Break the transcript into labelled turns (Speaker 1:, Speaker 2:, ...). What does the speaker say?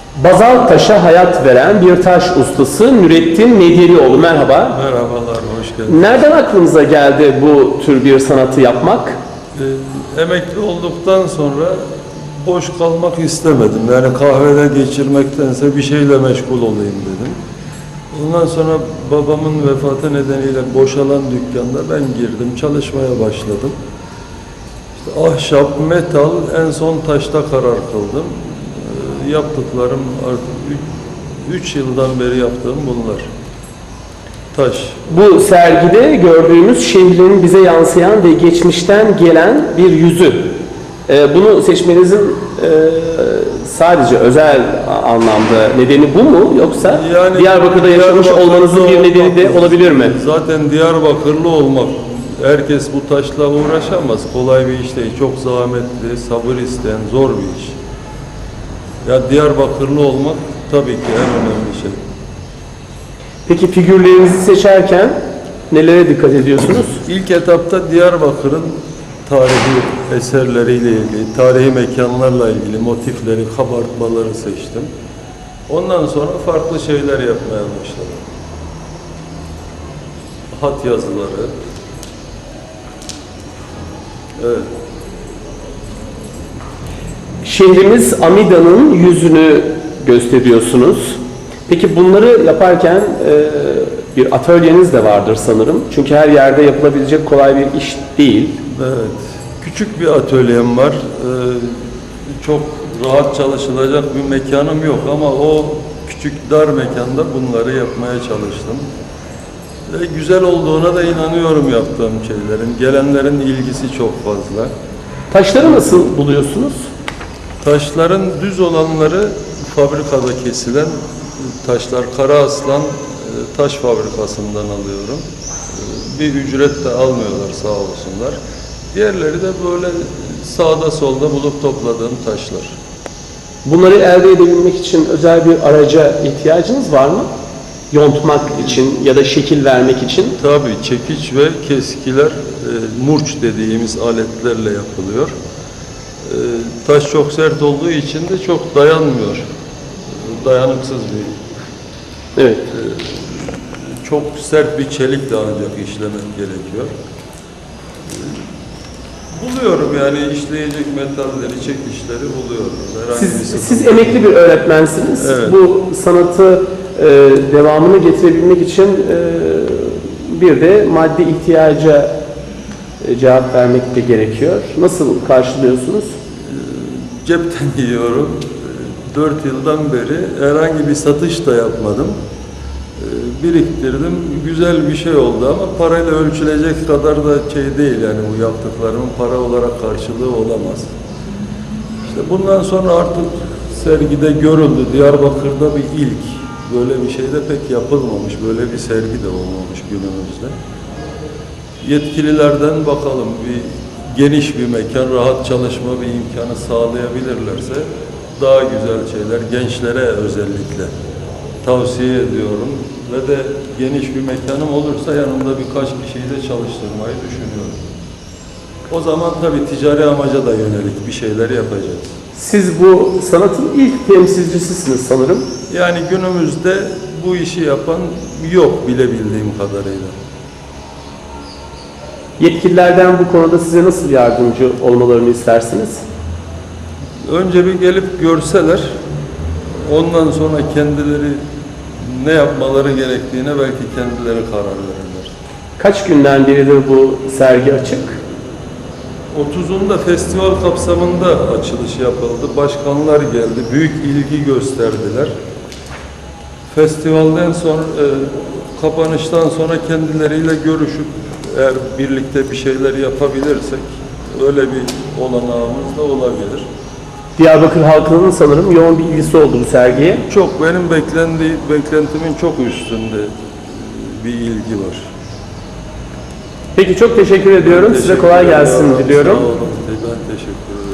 Speaker 1: Bazalt taşa hayat veren bir taş ustası Nurettin Medyelioğlu. Merhaba.
Speaker 2: Merhabalar, hoş geldiniz.
Speaker 1: Nereden aklınıza geldi bu tür bir sanatı yapmak?
Speaker 2: Emekli olduktan sonra boş kalmak istemedim. Yani kahvede geçirmektense bir şeyle meşgul olayım dedim. Ondan sonra babamın vefatı nedeniyle boşalan dükkanda ben girdim, çalışmaya başladım. İşte ahşap, metal, en son taşta karar kıldım. Yaptıklarım artık 3 yıldan beri yaptığım bunlar. Taş.
Speaker 1: Bu sergide gördüğümüz şehrin bize yansıyan ve geçmişten gelen bir yüzü. Bunu seçmenizin sadece özel anlamda nedeni bu mu? Yoksa
Speaker 2: Yani
Speaker 1: Diyarbakır'da yaşamış olmanızın bir nedeni de olabilir mi?
Speaker 2: Zaten Diyarbakırlı olmak, herkes bu taşla uğraşamaz. Kolay bir iş değil. Çok zahmetli, sabır isteyen, zor bir iş. Ya Diyarbakırlı olmak tabii ki en önemli şey.
Speaker 1: Peki figürlerinizi seçerken nelere dikkat ediyorsunuz?
Speaker 2: İlk etapta Diyarbakır'ın tarihi eserleriyle ilgili, tarihi mekanlarla ilgili motifleri, kabartmaları seçtim. Ondan sonra farklı şeyler yapmaya başladım. Hat yazıları. Evet.
Speaker 1: Şehrimiz Amida'nın yüzünü gösteriyorsunuz. Peki bunları yaparken bir atölyeniz de vardır sanırım. Çünkü her yerde yapılabilecek kolay bir iş değil.
Speaker 2: Evet. Küçük bir atölyem var. Çok rahat çalışılacak bir mekanım yok ama o küçük dar mekanda bunları yapmaya çalıştım. Ve güzel olduğuna da inanıyorum yaptığım şeylerin. Gelenlerin ilgisi çok fazla.
Speaker 1: Taşları nasıl buluyorsunuz?
Speaker 2: Taşların düz olanları fabrikada kesilen taşlar. Karaaslan taş fabrikasından alıyorum. Bir ücret de almıyorlar sağ olsunlar. Diğerleri de böyle sağda solda bulup topladığım taşlar.
Speaker 1: Bunları elde edebilmek için özel bir araca ihtiyacınız var mı? Yontmak için ya da şekil vermek için.
Speaker 2: Tabii çekiç ve keskiler murç dediğimiz aletlerle yapılıyor. Taş çok sert olduğu için de çok dayanmıyor. Dayanıksız bir.
Speaker 1: Evet.
Speaker 2: Çok sert bir çelik de ancak işlemek gerekiyor. Buluyorum yani işleyecek metalleri, çekişleri buluyorum.
Speaker 1: Siz emekli bir öğretmensiniz.
Speaker 2: Evet.
Speaker 1: Bu sanatı devamını getirebilmek için bir de maddi ihtiyaca cevap vermek de gerekiyor. Nasıl karşılıyorsunuz?
Speaker 2: Cepten yiyorum. 4 yıldan beri herhangi bir satış da yapmadım. Biriktirdim. Güzel bir şey oldu ama parayla ölçülecek kadar da şey değil yani bu yaptıklarımın para olarak karşılığı olamaz. İşte bundan sonra artık sergide görüldü. Diyarbakır'da bir ilk. Böyle bir şey de pek yapılmamış. Böyle bir sergi de olmamış günümüzde. Yetkililerden bakalım bir geniş bir mekan, rahat çalışma bir imkanı sağlayabilirlerse daha güzel şeyler gençlere özellikle tavsiye ediyorum ve de geniş bir mekanım olursa yanımda birkaç kişiyi de çalıştırmayı düşünüyorum. O zaman tabii ticari amaca da yönelik bir şeyler yapacağız.
Speaker 1: Siz bu sanatın ilk temsilcisisiniz sanırım.
Speaker 2: Yani günümüzde bu işi yapan yok bilebildiğim kadarıyla.
Speaker 1: Yetkililerden bu konuda size nasıl yardımcı olmalarını istersiniz?
Speaker 2: Önce bir gelip görseler, ondan sonra kendileri ne yapmaları gerektiğine belki kendileri karar verirler.
Speaker 1: Kaç günden beridir bu sergi açık?
Speaker 2: 30'unda festival kapsamında açılış yapıldı. Başkanlar geldi, büyük ilgi gösterdiler. Festivalden sonra, kapanıştan sonra kendileriyle görüşüp eğer birlikte bir şeyler yapabilirsek öyle bir olanağımız da olabilir.
Speaker 1: Diyarbakır halkının sanırım yoğun bir ilgisi oldu bu sergiye.
Speaker 2: Çok benim beklentimin çok üstünde bir ilgi var.
Speaker 1: Peki çok teşekkür ediyorum. Size kolay gelsin diliyorum.
Speaker 2: Sağ olun. Ben teşekkür ederim.